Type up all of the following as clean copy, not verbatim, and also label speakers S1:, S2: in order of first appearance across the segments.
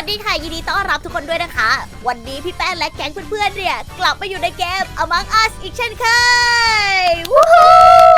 S1: สดีค่ะยินดีต้อนรับทุกคนด้วยนะคะวันนี้พี่แป้งและแก๊งเพื่อนๆเนี่ยกลับมาอยู่ในเกม Among Us อีกเช่นเคยวู้ฮู้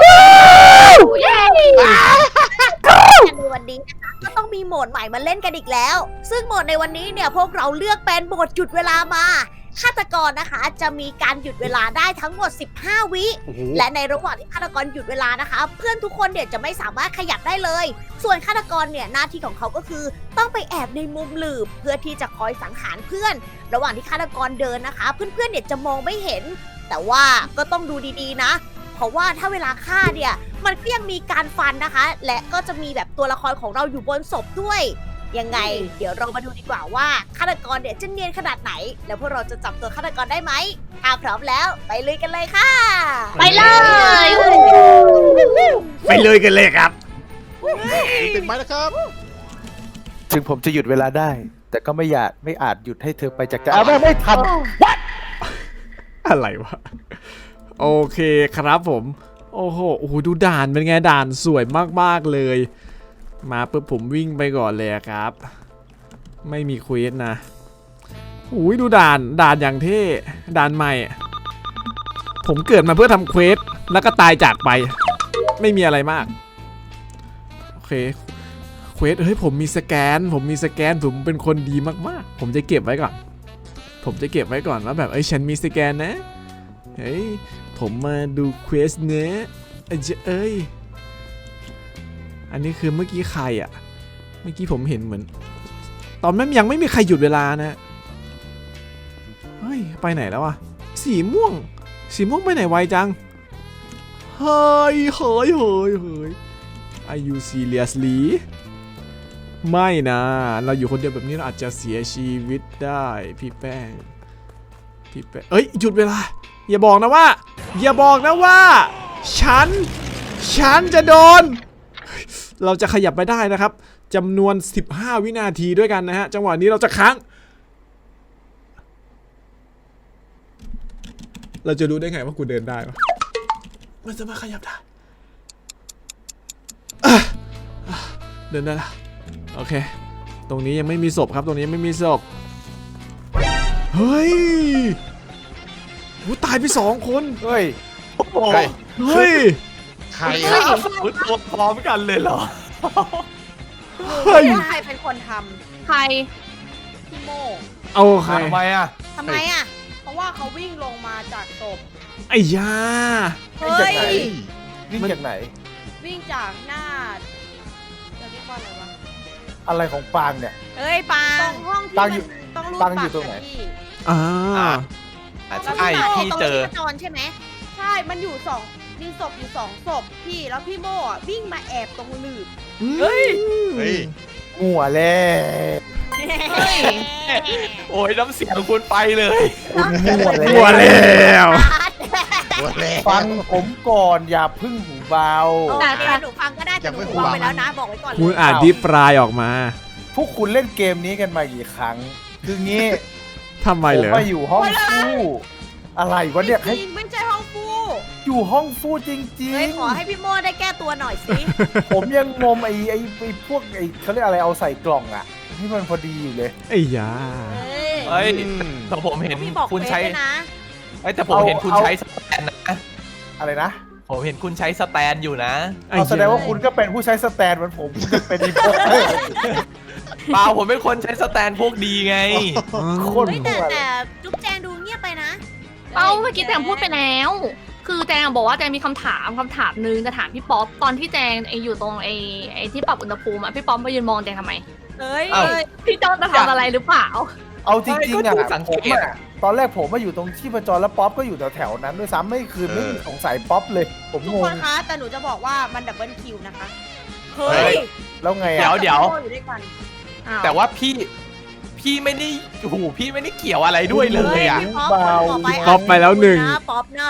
S1: ในวันนี้นะคะก็ต้องมีโหมดใหม่มาเล่นกันอีกแล้วซึ่งโหมดในวันนี้เนี่ยพวกเราเลือกเป็นโหมดหยุดเวลามาฆาตกรนะคะจะมีการหยุดเวลาได้ทั้งหมด15วิและในระหว่างที่ฆาตกรหยุดเวลานะคะเพื่อนทุกคนเนี่ยจะไม่สามารถขยับได้เลยส่วนฆาตกรเนี่ยหน้าที่ของเขาก็คือต้องไปแอบในมุมหลืบเพื่อที่จะคอยสังหารเพื่อนระหว่างที่ฆาตกรเดินนะคะเพื่อนๆเนี่ยจะมองไม่เห็นแต่ว่าก็ต้องดูดีๆนะเพราะว่าถ้าเวลาฆ่าเนี่ยมันก็ยังมีการฟันนะคะและก็จะมีแบบตัวละครของเราอยู่บนศพด้วยยังไงเดี๋ยวเรามาดูดีกว่าว่าฆาตกรเนี่ยจะเนียนขนาดไหนแล้วพวกเราจะจับตัวฆาตกรได้ไหมถ้าพร้อมแล้วไปลุยกันเลยค่ะไปเลย
S2: ไปเลยกันเลยครับ
S3: ติดไหมนะครับ
S4: ถึงผมจะหยุดเวลาได้ แต่ก็ไม่อาจหยุดให้เธอไปจากใจไม่ทัน
S2: อะไรวะโอเคครับผมโอ้โหดูด่านเป็นไงด่านสวยมากๆเลยมาปุ๊บผมวิ่งไปก่อนเลยครับไม่มีเควสนะดูด่านอย่างเท่ด่านใหม่ผมเกิดมาเพื่อทำเควสแล้วก็ตายจากไปไม่มีอะไรมากโอเคเควสเฮ้ยผมมีสแกนผมเป็นคนดีมากๆผมจะเก็บไว้ก่อนว่าแบบฉันมีสแกนนะเฮ้ยผมมาดูเควสเนื้ออันนี้คือเมื่อกี้ใครอ่ะเมื่อกี้ผมเห็นเหมือนตอนนั้นยังไม่มีใครหยุดเวลานะเฮ้ยไปไหนแล้วอ่ะสีม่วงไปไหนไวจังเฮ้ย Are you seriously ไม่นะเราอยู่คนเดียวแบบนี้เราอาจจะเสียชีวิตได้พี่แป้งหยุดเวลาอย่าบอกนะว่าฉันจะโดนเราจะขยับไปได้นะครับจำนวน15วินาทีด้วยกันนะฮะจังหวะนี้เราจะค้างเราจะรู้ได้ไงว่ากูเดินได้วะมันจะมาขยับได้เดินได้ละโอเคตรงนี้ยังไม่มีศพครับเฮ้ยตายไป2 คน
S4: เฮ้ย
S3: ใครอะ
S4: ตัวพร้อมกันเลยเหรอ
S1: ใครเป็นคนทำใครพี่โม
S2: เอาใคร
S4: ทำไมอ่ะ
S1: เพราะว่าเขาวิ่งลงมาจากศพ
S2: ไอ้ยา
S4: วิ่งจากไหนวิ่งจากหน้า
S1: จะเรียกว่าอะไรวะ
S4: อะไรของปางเนี่ย
S1: ปางตรงห้องที่มันต้องรูดบัตรอยู่ตรงไหน
S4: ใช่พี่เจอ
S1: จอนใช่ไหมใช่มันอยู่มีศพอยู่2 ศพพี่แล้วพี่โม่วิ่งมาแอบตรงหลืบ
S4: เฮ้ยหัวแล้ว โอ้ยน้ำเสียงคุณไปเลย
S2: หัวแล้ว
S4: ฟังผมก่อนอย่าพึ่งหูเบา
S1: แต่หนูฟังก็ได้แต่หนูฟังไปแล้วนะบอกไว้ก่อนเลย
S2: คุณอ่านดิปลายออกมา
S4: พวกคุณเล่นเกมนี้กันมากี่ครั้งคืองี้
S2: ทำไมเหรอ
S4: ผมมาอยู่ห้องฟู่อะไรวะเนี่ย
S1: ไม่ใช่ห้องฟู่
S4: อยู่ห้องฟู่จริง
S1: ๆขอให้พี่โม่ได้แก้ตัวหน่อยสิ
S4: ผมยังงมไอ้พวกเขาเรียกอะไรเอาใส่กล่องอ่ะที่มันพอดีอยู่เลย
S2: ไอ้ยา
S5: แต่ผมเห็นคุณใช้แต่ผมเห็นคุณใช้สแตนนะ
S4: อะไรนะ
S5: ผมเห็นคุณใช้สแตนอยู่นะ
S4: แสดงว่าคุณก็เป็นผู้ใช้สแตนเหมือนผมจะเป็นอีพวก
S5: เปล่าผมเป็นคนใช้สแตนพวกดีไง
S4: คน
S1: แต่จุ๊บแจงดูเงียบไปนะ
S6: เมื่อกี้แจงพูดไปแล้วคือแจงบอกว่าแจงมีคำถามนึงจะถามพี่ป๊อปตอนที่แจงอยู่ตรงไอ้ที่ปรับอุณหภูมิพี่ป๊อปมายืนมองแจงทำไมพี่จอนจะทำอะไรหรือเปล่า
S4: เอาจริงๆอ่ะตอนแรกผมมาอยู่ตรงที่ประจรแล้วป๊อปก็อยู่แถวๆนั้นด้วยซ้ำไม่สงสัยป๊อปเลยผมงงทุก
S1: คนคะแต่หนูจะบอกว่ามันดับเบิลคิวนะคะ
S4: เฮ้ยแล้วไง
S5: เดี๋ยวแต่ว่าพี่ไม่ได้พี่ไม่ได้เกี่ยวอะไรด้วยเลยอ่ะ
S2: ป๊อปไปแล้ว1
S1: ป๊อปน่า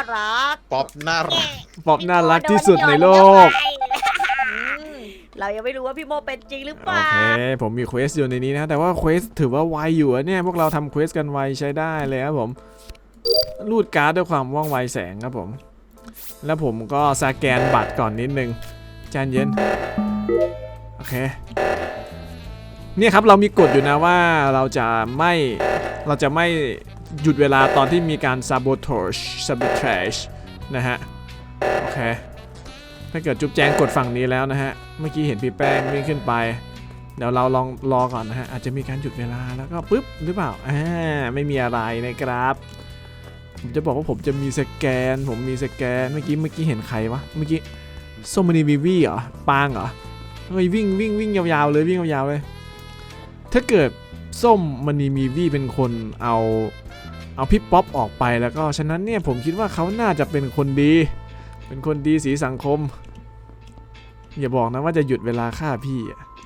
S2: รักที่สุดในโลก
S1: เรายังไม่รู้ว่าพี่โมเป็นจริงหรือเปล่า
S2: โอเคผมมีเควสอยู่ในนี้นะแต่ว่าเควสถือว่าไวอยู่เนี่ยพวกเราทำเควสกันไวใช้ได้เลยครับผมรูดการ์ดด้วยความว่องไวแสงครับผมแล้วผมก็สแกนบัตรก่อนนิดนึงใจเย็นโอเคเนี่ยครับเรามีกฎอยู่นะว่าเราจะไม่หยุดเวลาตอนที่มีการ sabotage นะฮะโอเคถ้าเกิดจุ๊บแจงกดฝั่งนี้แล้วนะฮะเมื่อกี้เห็นพี่แป้งวิ่งขึ้นไปเดี๋ยวเราลองรอก่อนนะฮะอาจจะมีการหยุดเวลาแล้วก็ปึ๊บหรือเปล่าไม่มีอะไรนะครับผมจะบอกว่าผมจะมีสแกนผมมีสแกนเมื่อกี้เห็นใครวะเมื่อกี้ส้มมณีวีวีเหรอปางเหรอเฮ้ยวิ่งยาวๆเลยวิ่งยาวๆเลยถ้าเกิดส้มมณีมีวีเป็นคนเอาพี่ป๊อปออกไปแล้วก็ฉะนั้นเนี่ยผมคิดว่าเขาน่าจะเป็นคนดีสีสังคมอย่าบอกนะว่าจะหยุดเวลาฆ่าพี่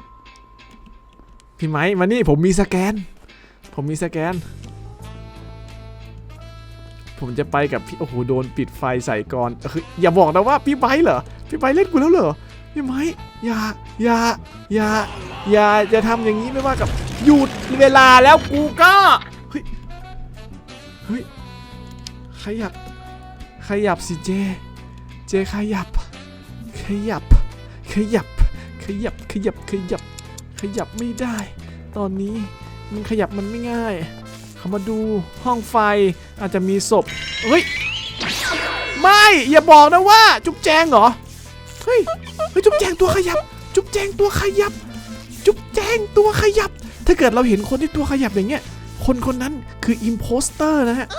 S2: ไม้มานี่ผมมีสแกนผมจะไปกับพี่โอ้โหโดนปิดไฟใส่ก่อนอย่าบอกนะว่าพี่ไบร์ทเหรอพี่ไบร์ทเล่นกูแล้วเหรอพี่ไม้อย่าจะทำอย่างนี้ไม่ว่ากับหยุดเวลาแล้วกูก็เฮ้ยขยับสิเจขยับไม่ได้ตอนนี้มันขยับมันไม่ง่ายเขามาดูห้องไฟอาจจะมีศพเฮ้ยไม่อย่าบอกนะว่าจุ๊บแจงเหรอเฮ้ยจุ๊บแจงตัวขยับถ้าเกิดเราเห็นคนที่ตัวขยับอย่างเงี้ยคนนั้นคืออิมโพสเตอร์นะฮะ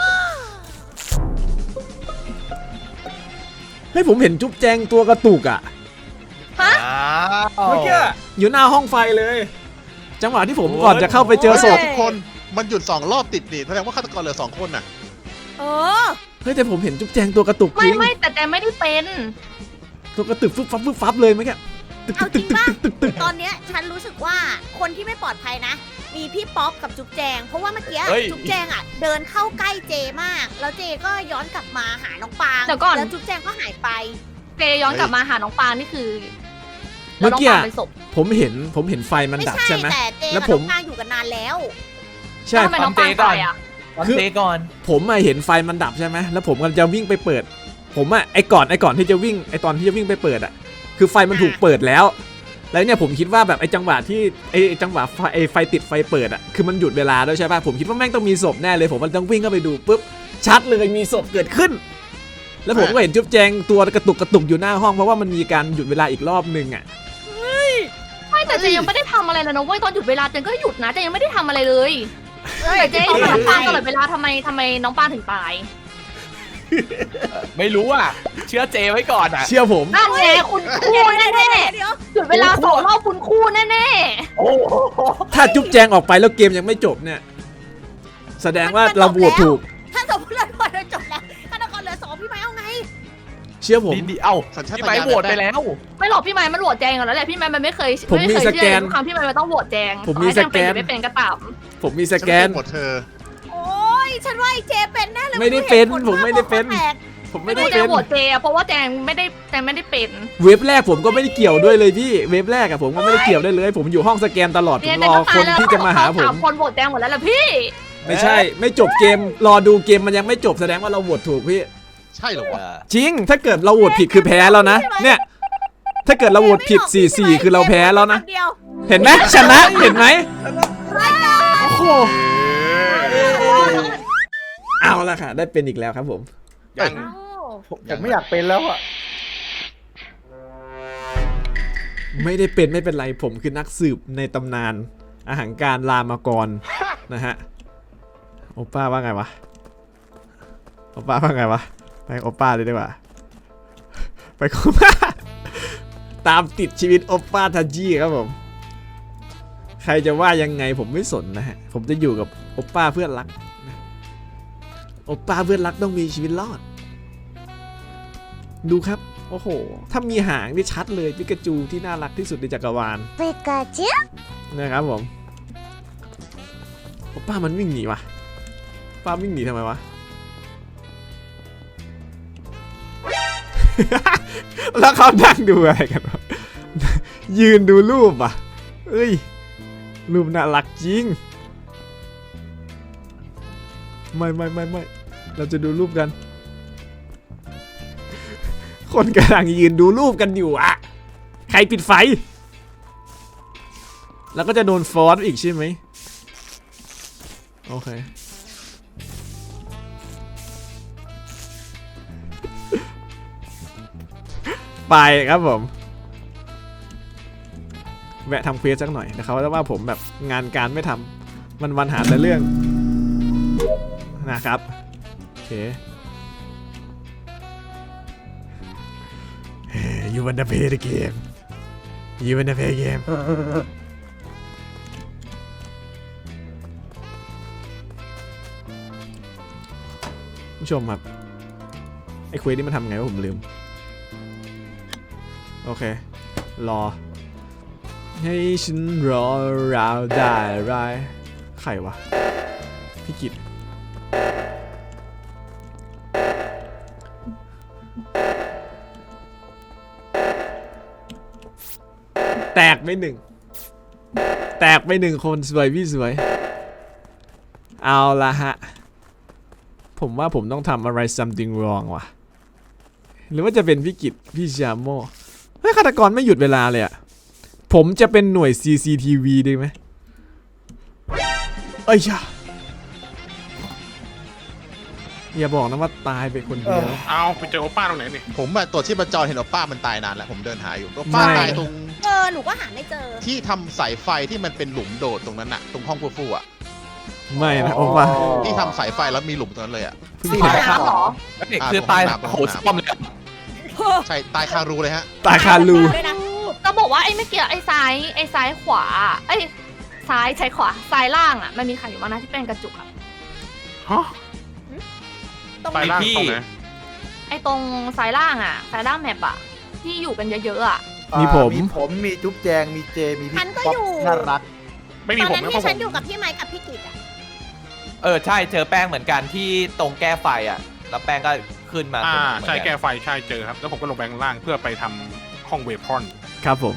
S2: ให้ผมเห็นจุ๊บแจงตัวกระตุกอ่ะเมื่อกี้อยู่หน้าห้องไฟเลยจังหวะที่ผมก่อนจะเข้าไปเจอศพ
S3: ทุกคนมันหยุด2 รอบติดนี่แสดงว่าฆาตกรเหลือ2 คนน่ะ
S2: เฮ้ยแต่ผมเห็นจุ๊บแจงตัวกระตุกจริง
S6: ไม่แต่แจงไม่ได้เป็น
S2: ตัวกระตุกฟึบฟับเลยเมื่อกี้
S1: เอาจริงป่ะตอนเนี้ยฉันรู้สึกว่าคนที่ไม่ปลอดภัยนะมีพี่ป๊อปกับจุ๊บแจงเพราะว่าเมื่อกี้จุ๊บแจงอ่ะเดินเข้าใกล้เจมากแล้วเจก็ย้อนกลับมาหาน้องปางแล้วจุ๊บแจงก็หายไป
S6: เจย้อนกลับมาหาน้องปางนี่คือ
S2: เมื่อกี้ผมเห็นไฟมันดับใช่ไหม
S1: แต่เจกับน้องปางอยู่กันนานแล้ว
S2: ใช่
S6: ทำไมน้องปางตายอ่ะ
S2: คือผมเห็นไฟมันดับใช่ไหมแล้วผมกำลังจะวิ่งไปเปิดผมไอ้ก่อนที่จะวิ่งตอนที่จะวิ่งไปเปิดคือไฟมันถูกเปิดแล้วเนี่ยผมคิดว่าแบบไอ้จังหวะที่จังหวะไฟติดไฟเปิดคือมันหยุดเวลาด้วยใช่ป่ะผมคิดว่าแม่งต้องมีศพแน่เลยผมมันต้องวิ่งเข้าไปดูปุ๊บชัดเลยมีศพเกิดขึ้นแล้วผมก็เห็นจุ๊บแจงตัวกระตุกอยู่หน้าห้องเพราะว่ามันมีการหยุดเวลาอีกรอบนึง
S6: ไม่แต่เจยังไม่ได้ทำอะไรเลยนะเว้ยตอนหยุดเวลาเจก็หยุดนะเจยังไม่ได้ทำอะไรเลยแต่เจอยู่กับน้องปางตลอดเวลาทำไมน้องปางถึงตาย
S5: ไม่รู้อ่ะเชื่อเจไว้ก่อนอ่ะ
S2: เชื่อผม
S6: นั่นไงคุณคู่แน่ๆหยุดเวลา2 รอบคุณคู่แน่
S2: ๆถ้าจุ๊บแจงออกไปแล้วเกมยังไม่จบเนี่ยแสดงว่าเราโหวตถูก
S1: ถ้าสมมติเราโหวตจบแล้วฆาตกรเหลือ2พี่ไม้เอาไง
S2: เชื่อผม
S5: ดีพี่ไม้โหวตไปแล้ว
S6: ไม่หรอกพี่ไม้มันโหวตแจงก่อนแล้วแหละพี่ไม้มันไม่เคย
S2: ผมมีสแกน
S6: ทุกครั้งพี่ไม้มันต้องโหวตแจง
S2: ผมมีสแกน
S6: ไม่เป็นก็ตาม
S2: ผมมีสแกน
S3: หมดเธอ
S1: โอ้ยฉันว่าไอ้เจเป็นแน่เลย
S2: ไม่ได้เป็นผมไม่ได้เป็น
S6: โหวตเจเพราะว่าแจงไม่ได้เป็น
S2: เว็บแรกผมก็ไม่ได้เกี่ยวด้วยเลยพี่เว็บแรกผมก็ไม่ได้เกี่ยวได้เลยผมอยู่ห้องสแกนตลอดผมรอคนที่จะมาหาผม
S6: คนโหวตแจงหมดแล้วล่ะพี่
S2: ไม่ใช่ไม่จบเกมรอดูเกมมันยังไม่จบแสดงว่าเราโหวตถูกพี่
S3: ใช่หรอวะ
S2: จริงถ้าเกิดเราโหวตผิดคือแพ้แล้วนะเนี่ยถ้าเกิดเราโหวตผิด 4-4 คือเราแพ้แล้วนะเห็นไหมชนะเห็นไหมโอ้โหเอาละค่ะได้เป็นอีกแล้วครับผม
S4: ผมไม่อยากเป็นแล้วอะ
S2: ไม่ได้เป็นไม่เป็นไรผมคือนักสืบในตำนานอาหารการรามากรนะฮะโอป้าว่าไงวะไปโอป้าเลยดีกว่าไปโอป้าตามติดชีวิตโอป้าทันจีครับผมใครจะว่ายังไงผมไม่สนนะฮะผมจะอยู่กับโอป้าเพื่อนรักโอป้าเพื่อนรักต้องมีชีวิตรอดดูครับโอ้โหถ้ามีหางนี่ชัดเลยปิกาจูที่น่ารักที่สุดในจักรวาลปิกาจูนะครับผมโอป้ามันวิ่งหนีวะป้าวิ่งหนีทำไมวะ แล้วเขานั่งดูอะไรกันวะยืนดูรูปอ่ะเอ้ยรูปน่ารักจริงไม่เราจะดูรูปกันคนกำลังยืนดูรูปกันอยู่อ่ะใครปิดไฟแล้วก็จะโดนฟอสอีกใช่ไหมโอเคไปครับผมแวะทำเควสสักหน่อยนะครับว่าผมแบบงานการไม่ทำวันหาแต่เรื่องนะครับโอเค You wanna play the game You wanna play game ผู้ชมครับไอ้เควสนี่มันทำไงวะผมลืมโอเครอให้ฉันรอราวได้ไรใครวะพี่กิตแตกไปหนึ่งคนสวยพี่สวยเอาละฮะผมว่าผมต้องทำอะไร something wrong ว่ะหรือว่าจะเป็นพี่กิตพี่ชาโม่เฮ้ยฆาตกรไม่หยุดเวลาเลยอะผมจะเป็นหน่วย CCTV ได้ไหมเอ้ยอย่าบอกนะว่าตายไปคนเดียว
S7: เอาไปเจอโอป้าตรงไหนนี่
S3: ผมอะตัวที่ประจรเห็นโอป้ามันตายนานแล้วผมเดินหาอยู่โอป้า
S2: ไม่
S3: ตายตรง
S1: หนูก็หาไม่เจอ
S3: ที่ทำสายไฟที่มันเป็นหลุมโดดตรงนั้นอะตรงห้องฟูๆอะ
S2: ไม่นะโอ้ป่ะ
S3: ที่ทำสายไฟแล้วมีหลุมตรงนั้นเลยอะ
S6: ตายน้ำเหรอ
S5: นี่คือตายโหดซ่อมเลย
S3: ใช่ตายคารูเลยฮะ
S2: ตายคารู
S1: ด้วยนะ
S6: จะบอกว่าไอ้เมื่อกี้ไอ้ซ้ายขวาไอ้ซ้ายใช้ขวาซ้ายล่างอ่ะมันมีใครอยู่บ้างนะที่เป็นกระจุกอ่ะ
S7: ฮะ
S1: ตรง
S7: ไป
S1: ไหน
S7: ล่างตรงไหน
S6: ไอ้ตรงซ้ายล่างอ่ะซ้ายล่างแมปอ่ะที่อยู่กันเยอะๆอ่ะ
S2: มีผม
S4: มีจุ๊บแจงมีเจมีพี่
S1: ฉันก็
S4: ป๊อป
S1: อยู่
S4: น่ารัก
S7: ไม่
S1: ต
S7: มี
S1: อน
S7: ผม
S1: นั้น
S7: นะเพ
S1: ที่
S7: ราะผ
S1: ฉัน
S7: ม
S1: อยู่กับพี่ไม้กับพี่กิตอ่ะ
S5: ใช่เจอแป้งเหมือนกันที่ตรงแก้ไฟอ่ะแล้วแป้งก็ขึ้นมา
S7: ใช่แก้ไฟใช่เจอครับ แล้วผมก็ลงไปข้างล่างเพื่อไปทำห้องเวพอน
S2: ครับผม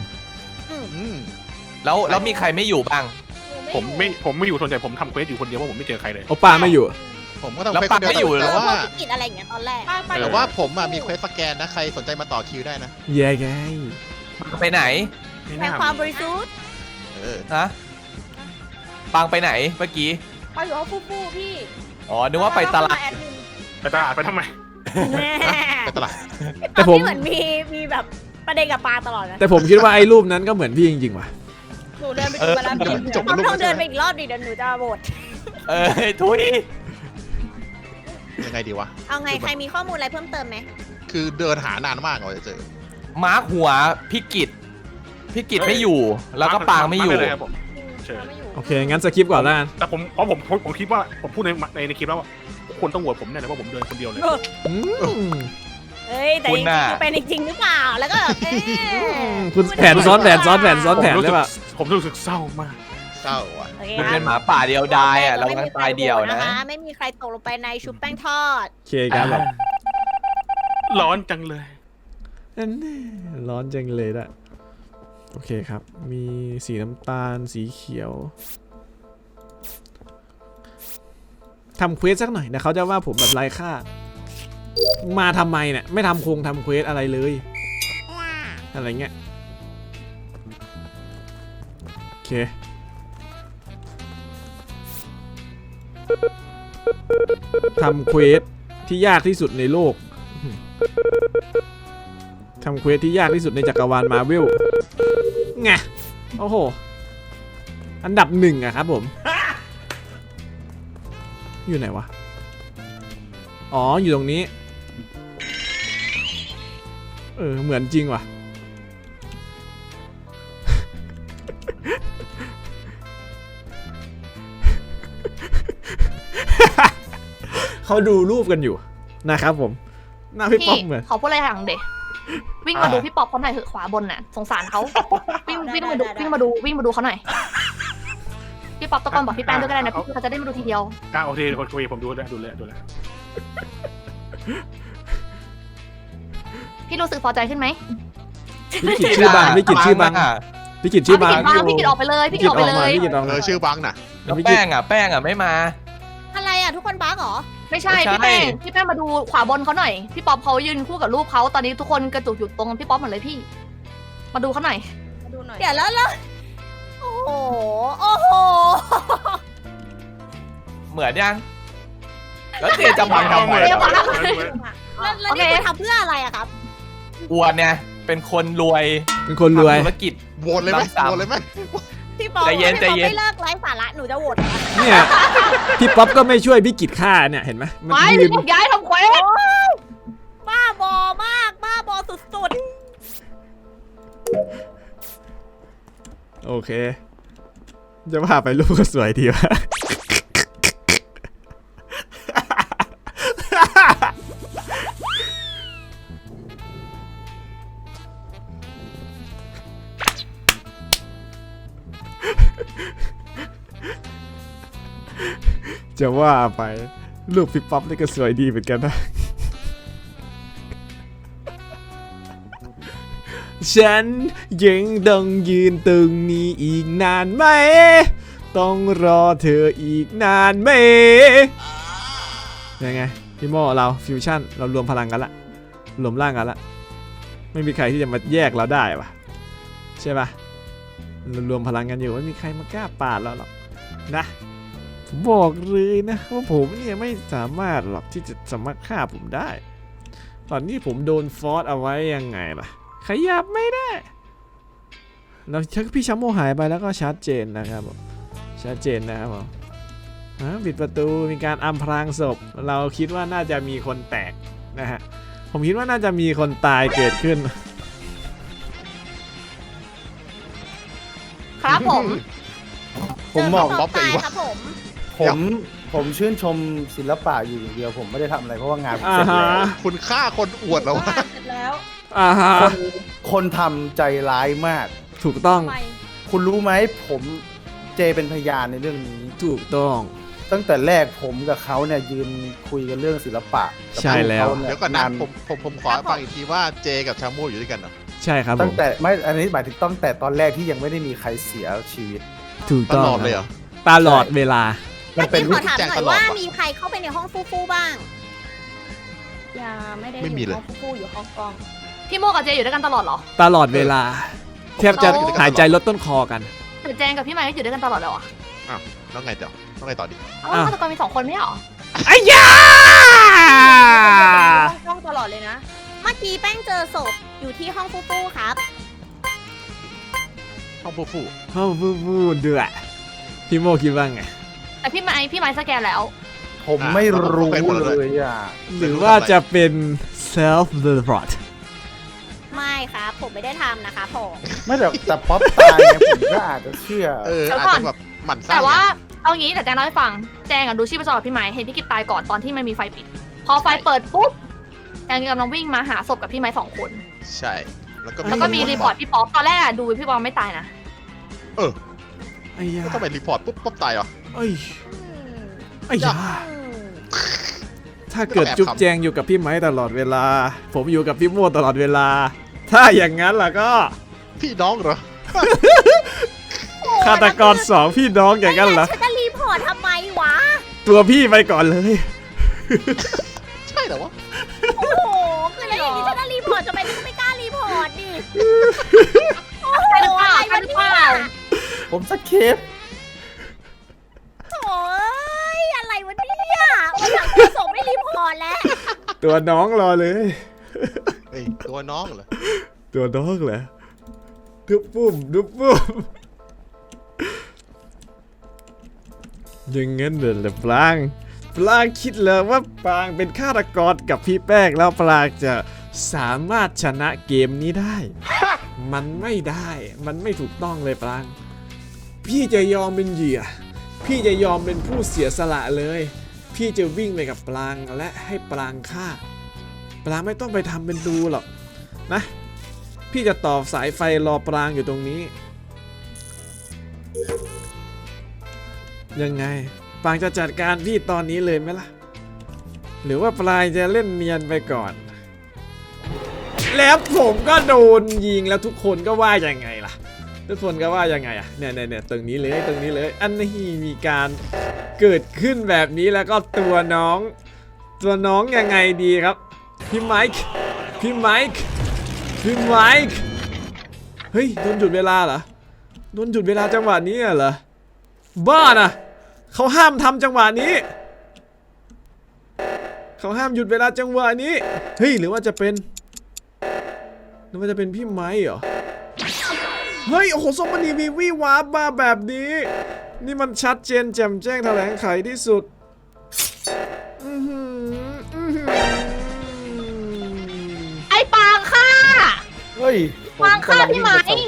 S5: แล้วมีใครไม่อยู่บ้าง
S7: ผมไม่อยู่ส่วนใหญ่ผมทำเควสอยู่คนเดียวเพราะผมไม่เจอใครเลย
S2: โอป้าไม่อยู่
S3: ผมก็ต้อง
S5: แล้ว
S3: เควส
S5: ปา
S3: คนเดียว
S5: ไม่อยู่เหร
S3: แต่
S5: อ
S3: ว่า
S1: พวกพี่กิตอะไรอย่างเงี้ยตอนแรก
S3: แต่ว่าผมอะมีเควสสแกนนะใครสนใจมาต่อคิวได้นะ
S2: แย่ไง
S5: ไปไหน
S7: ไม่
S1: แสด
S7: น่าง
S1: ความบริสุทธิ์
S5: ฮะปังไปไหนเมื่อกี้
S1: ไปอยู่ห้องฟูๆพี่
S5: อ๋อนึกว่าไปตลาด
S7: ไปตลาดไปทำไม
S1: แน่
S3: ไปตลาด
S2: แต่ผม
S1: เหมือนมีแบบประเด็นกับปลาตลอดนะ
S2: แต่ผมคิดว่าไอ้รูปนั้นก็เหมือนพี่จริงๆว่ะ
S1: หนูเดินไปดูมาแล้วพี่
S3: จบรูป
S1: ต้องเดินไปอีกรอบดิเดี๋ยวหนูจะโหวต
S5: ทุย
S3: ยังไงดีวะ
S1: เอาไงใครมีข้อมูลอะไรเพิ่มเติมไหม
S3: คือเดินหานานมากกว่าจะเจอ
S5: มาร์คหัวพี่กิตไม่อยู่ แล้วก็ปางไม่อยู่
S7: เลยครับผม เชิญ
S1: ไม่อยู่
S2: โอเคงั้นสคิปก่อนแล้วกัน
S7: แต่ผมคิดว่าผมพูดในคลิปแล้วว่าคนต้องโหวตผมแน่เลยเพราะผมเดินคนเดียวเลย
S2: อืม
S1: เฮ้ยแต่
S5: คุ
S1: จ
S5: ณ
S1: ริง
S5: น่ะ
S1: ๆเป็นจริงหรือเปล่าแล้วก็
S2: คุณแผนซ้อนแผนได้ป่ะ
S7: ผมรู้สึกเศร้ามาก
S3: เศร้าอ่ะ
S1: โอเค
S5: มัน
S1: ค
S5: เป็
S1: รับ
S5: นหมาป่าเดียวดายอ่ะเรากำลังตายเดียวนะ
S1: ไม่มีใครตกลงไปในชุบแป้งทอด
S2: โอเคครับแบบ
S7: ร้อนจังเลย
S2: นั่นแน่ร้อนจังเลยละโอเคครับ มีสีน้ำตาลสีเขียวทำเควสสักหน่อยนะเขาจะว่าผมแบบไร้ค่ามาทำไมเนี่ยไม่ทำเควสอะไรเลยอะไรเงี้ยโอเคทำเควสที่ยากที่สุดในโลกทำเควสที่ยากที่สุดในจักรวาลมาร์เวลไงโอ้โหอันดับ1อะครับผมอยู่ไหนวะอ๋ออยู่ตรงนี้เหมือนจริงว่ะ เขาดูรูปกันอยู่นะครับผมหน้าพี่ป๊อปเหมือน
S6: ขอพูดอะไรอย่างเด็กวิ่งมาดูพี่ป๊อปเขาหน่อยเถอะขวาบนน่ะสงสารเขาวิ่งมาดูเขาหน่อยพี่ป๊อปตะโกนบอกพี่แป้งด้วยก็ได้นะพี่เขาจะได้มาดูทีเดียว
S7: โอเคผมดูแล้ว
S6: พี่รู้สึกพอใจขึ้นไหม
S2: พี่กิจชื่อบังพี่กิจชื่อบังพี่กิจชื่อบัง
S6: พี่กิจออกไปเลยพี่กิจออกไปเลย
S2: พี่กิจออกมา
S3: ชื่อบังน่ะ
S5: แล้วแป้งอ่ะไม่มา
S1: อะไรอ่ะทุกคนบ้าเหรอ
S6: ไม่ใช่
S5: ไม่ใช่
S6: พี่แป้งมาดูขวาบนเขาหน่อยพี่ป๊อปเขายืนคู่กับรูปเขาตอนนี้ทุกคนกระจุกอยู่ตรงพี่ป๊อปหมดเลยพี่ มาดูเขาหน่อย
S1: เดี๋ยวแล้วโอ้โหโหโอ้โห
S5: เหมือนยังแล้วเจจะบังทำไม
S1: แล้ว
S6: โอเค
S1: นี่คุณทำเพื่ออะไรอะครับ
S5: อ้วนเนี่ยเป็นคนรวย
S2: เป็นคนรวย
S5: ทำธุรกิจ
S3: โหวตเลยไหม
S5: ซ้ำๆ
S3: โหวตเลยไหม
S1: พี่ปอ
S5: ใจเย็น
S1: ถ้าพี่ปอ
S5: ใจเย็น
S1: ไม่เลิกไร้สาระหนูจะโหวตนะ
S2: เนี่ยพี่ป๊อปก็ไม่ช่วยพี่กิจฆ่าเนี่ยเห็นไหมมัน
S6: ไม่
S2: ยื
S6: พี่
S2: น
S6: บอกย้ายทำเควส
S1: บ้าบอมากบ้าบอสุด
S2: โอเค จะพาไปรูปก็สวยดีวะ จะว่าไปรูปพี่ป๊อปนี่ก็สวยดีเหมือนกันนะ ฉันยังต้องยืนตรงนี้อีกนานไหม ต้องรอเธออีกนานไหมยังไงพี่โมเราฟิวชั่นเรารวมพลังกันละรวมร่างกันละไม่มีใครที่จะมาแยกเราได้ปะใช่ปะเรารวมพลังกันอยู่ไม่มีใครมากล้าปาดเราหรอกนะผมบอกเลยนะว่าผมเนี่ยไม่สามารถหรอกที่จะสามารถฆ่าผมได้ ตอนนี้ผมโดนฟอสเอาไว้ยังไงล่ะขยับไม่ได้แล้วพี่ชัมโมหายไปแล้วก็ชัดเจนนะครับผมชัดเจนนะครับผมปิดประตูมีการอำพรางศพเราคิดว่าน่าจะมีคนแตกนะฮะผมคิดว่าน่าจะมีคนตายเกิดขึ้น
S6: ครับผม
S1: ๆ
S4: ผมบอก
S1: เจ
S3: บ๊อบ
S1: ตาย
S3: กับอีกวะ
S1: ครับผม
S4: ผมชื่นชมศิลปะอยู่อย่างเดียวผมไม่ได้ทำอะไรเพราะว่างานผม
S2: อ่า
S4: เสร็จ
S2: ฮะ
S4: แล้ว
S3: คุณฆ่าคนอวดแล้ววะ
S1: เสร็จแล้ว
S2: อ่าฮะ
S4: คนทำใจร้ายมาก
S2: ถูกต้อง
S1: ทำไม
S4: คุณรู้ไหมผมเจเป็นพยานในเรื่องนี้
S2: ถูกต้อง
S4: ตั้งแต่แรกผมกับเขาเนี่ยยืนคุยกันเรื่องศิลปะกับ
S2: ใช่แล้ว
S4: เขา
S3: เดี๋ยวก่อนนะผมขอฟังอีกทีว่าเจกับชาโมอยู่ด้วยกันเหรอ
S2: ใช่ครับผ
S4: ตั้ง
S2: ม
S4: แต่ไม่อันนี้หมายถึงตั้งแต่ตอนแรกที่ยังไม่ได้มีใครเสียชีวิต
S2: ถูก
S3: ต
S2: ต้อง
S3: ลอดเลยเหรอ
S2: ตลอดเวลา
S4: มันเป็น
S1: ขอถามหน่อย
S3: แจ้งตลอด
S1: ว่า
S3: ว่ะ
S1: มีใครเข้าไปในห้องฟู่ๆบ้างอย่าไม่ได้
S3: ไม่มี
S1: อยู่
S3: เลย
S1: ห้องฟู่ๆอยู่ห้องกล้อง
S6: พี่โมกับเจอยู่ด้วยกันตลอดเหรอ
S2: ตลอดเวลาแทบจะหายใจลดต้นคอกัน
S6: แต่แจงกับพี่ไมค์ก็อยู่ด้วยกันตลอดเลยเหรอ
S3: แล้วไงต่อต้องไงต่อดิ
S6: เอ้าฆาตกรมี2 คนไม่ใช่เหรอ
S2: ไอ้ยา
S1: ห้องตลอดเลยนะ เมื่อกี้แป้งเจอศพอยู่ที่ห้องฟู่ๆครับ
S3: ห้องผู้ฟู่
S2: เฮ้าฟูเดือดพี่โมคิดว่าไง
S6: แต่พี่ไมค์สแกนแล้ว
S4: ผมไม่รู้เลยอ่ะ
S2: หรือว่าจะเป็น self report
S1: ไม่ครับ ผมไม่ได้ทำนะคะผม
S4: ไม่แต่ป๊อปตายไงผมก็อาจจะเชื่อ
S6: เดี๋ยว
S3: อาจ
S6: ก่อน
S3: จะแบบหมั่นไส้
S6: แต่ว่า
S3: อะ
S6: เอางี้แต่แจงเล่าให้ฟังแจงดูชีพจรกับพี่ไมค์เห็นพี่กิตตายก่อนตอนที่มันมีไฟปิด พอไฟเปิดปุ๊บแจงกำลังวิ่งมาหาศพกับพี่ไมค์2 คน
S3: ใช่ แล้วก็
S6: แล้วก็มีรีพอร์ตพี่ป๊อปตอนแรกอะดูพี่ป๊อปไม่ตายนะ
S2: ไอ้ยา
S3: ก็ต้องไปรีพอร์ตปุ๊บป๊อปตายเหรอ
S2: เอ้ย
S1: อืม
S2: ไอ้ยา
S1: อืม
S2: ถ้าเกิดจุ๊บแจงอยู่กับพี่ไม้ตลอดเวลา ผมอยู่กับพี่โมตลอดเวลา ถ้าอย่างนั้นล่ะก็
S3: พี่น้องเหรอ
S2: ฆาตกร2พี่น้องอย่างนั้นเหรอ
S1: ฉันจะรีพอร์ตทำไมวะ
S2: ตัวพี่ไปก่อนเลย
S3: ใช่เหรอวะ
S1: โอ้โหคือแล้วอย่างนี้ฉันจะรีพอร์ตทำไมฉันก็ไม่กล้ารีพอร์ตดิ โอ้โห
S6: ใช่หรือเปล่า
S1: อะไร
S6: ใช่
S1: วะ
S6: หรือ
S1: เนี่
S6: เปล่า
S1: ย
S4: ผมสคริปต์
S1: โถ่เอ้ยอะไรวะเนี่ยวันหลังจะส่งไม่รีพอร์ตแล้ว
S2: ตัวน้องรอเลย
S3: เอ้ยตัวน้องเหรอ
S2: ตัวน้องเหรอดุบปุ้มดุบปุ้มอย่างงั้นเหรอปลางคิดเลยว่าปลางเป็นฆาตกรกับพี่แป้งแล้วปลางจะสามารถชนะเกมนี้ได้ มันไม่ได้ มันไม่ถูกต้องเลยปลาง พี่จะยอมเป็นเหยื่อ พี่จะยอมเป็นผู้เสียสละเลย พี่จะวิ่งไปกับปลางและให้ปลางฆ่า ปลางไม่ต้องไปทำเป็นดูหรอกนะ พี่จะต่อสายไฟรอปรางอยู่ตรงนี้ ยังไงปรางจะจัดการพี่ตอนนี้เลยไหมล่ะ หรือว่าปลางจะเล่นเนียนไปก่อน แล้วผมก็โดนยิงแล้วทุกคนก็ว่ายังไงล่ะ ทุกคนก็ว่ายังไงอะเนี่ยตรงนี้เลย อันนี้มีการเกิดขึ้นแบบนี้แล้วก็ตัวน้องยังไงดีครับพี่ไมค์เฮ้ยโดนหยุดเวลาเหรอโดนหยุดเวลาจังหวะนี้เหรอบ้านะเขาห้ามทำจังหวะนี้เขาห้ามหยุดเวลาจังหวะนี้เฮ้ยหรือว่าจะเป็นพี่ไม้เหรอเฮ้ยโอ้โหส่งมาดีวีวีวาร์ปมาแบบนี้นี่มันชัดเจนแจ่มแจ้งแถลงไขที่สุด
S6: ไอ้ปางค่ะ
S4: เฮ้ย
S6: วางค่าพี่ไหม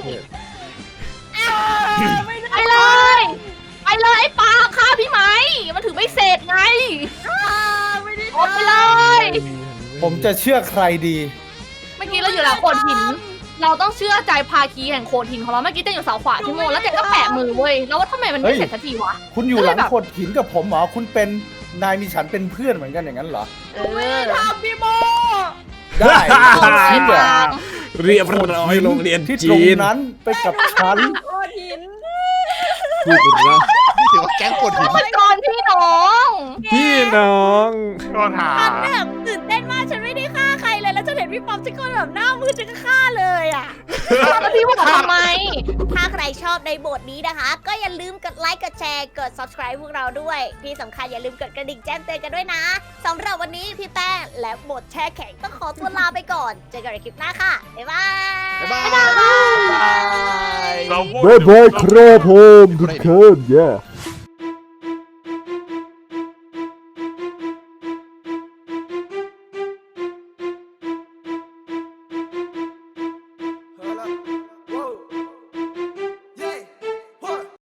S6: ไปเลย ไปเลยไอ้ปางฆ่าพี่ไหมมันถือไม่เสร็จไง
S1: ไม่ได้
S6: อดไปเลย
S4: ผมจะเชื่อใครดี
S6: เมื่อกี้เราอยู่หลังโขดหิน เราต้องเชื่อใจภาคีแห่งโขดหินของเราเมื่อกี้เจนอยู่เสาขวาพี่โมแล้วเจนก็แปะมือเว้ยแล้วว่าทำไมมันไม่เสร็จสักทีวะ
S4: คุณอยู่หลังโขดหินกับผมเหรอคุณเป็นนายมีฉันเป็นเพื่อนเหมือนกันอย่างนั้นเหรอ
S1: ทำพี่โม
S4: ได้
S6: ไอ้ปาง
S2: เรียบร้อยโรงเรียน
S4: ที่ตร
S2: จี
S4: ง
S2: น
S4: นั้นไปกับฉัน
S1: โอหิน
S2: พูดเรา
S3: นี่ถือว่าแก๊งกดหิน
S6: มันกรพี่น้อง
S2: พี่น้อง
S7: ก็หา
S1: ฉันแบบตื่นเต้นมากฉันไม่ได้ฆ่าใครเลยแล้วฉันเห็นพี่ป๊อปฉันก็แบบหน้ามืดฉันก็ฆ่าเลยอ่ะ
S6: แล้วพี่บอกทำไม
S1: ถ้าใครชอบในบทนี้นะคะ ก็อย่าลืมกดไลค์กดแชร์กด subscribe พวกเราด้วยที่สำคัญอย่าลืมกดกระดิ่งแจ้งเตือนกันด้วยนะสำหรับวันนี้พี่แป้งและบทแช่แข็งต้องขอตัวลาไปก่อนเจอกันในคลิปหน้าค่ะบ๊ายบาย
S3: บ๊ายบาย
S7: เรา
S8: บ๊ายบายครับผมทุกคน